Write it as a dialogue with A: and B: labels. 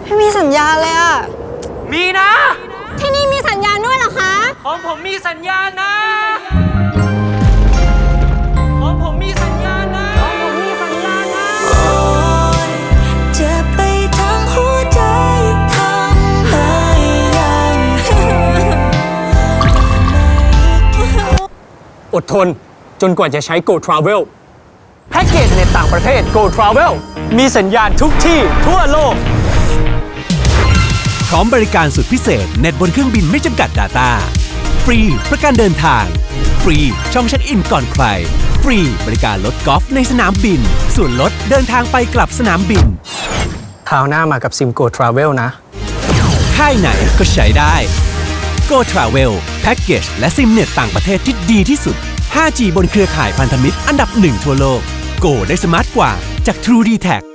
A: ไม่มีสัญญาณเลยอะ
B: มีนะ
A: ที่นี่มีสัญญาณด้วยเหรอคะ
B: ของผมมีสัญญาณนะ ของผมมีสัญญาณนะ ของผมมีสัญญาณนะ
C: เจ็บไปทั้งหัวใจทำให้ยัง
D: อดทนจนกว่าจะใช้ Go Travel แพ็กเกจในต่างประเทศ Go Travel มีสัญญาณทุกที่ทั่วโลก
E: พร้อมบริการสุดพิเศษเน็ตบนเครื่องบินไม่จำกัด Data ฟรีประกันเดินทาง ฟรีช่องเช็คอินก่อนใคร ฟรีบริการรถกอล์ฟในสนามบิน ส่วนลดเดินทางไปกลับสนามบิน
D: คราวหน้ามากับซิม Go Travel นะ
E: ค่ายไหนก็ใช้ได้ Go Travel แพ็กเกจและซิมเน็ตต่างประเทศที่ดีที่สุด 5G บนเครือข่ายพันธมิตรอันดับ 1 ทั่วโลก Go ได้สมาร์ทกว่าจาก True d t a c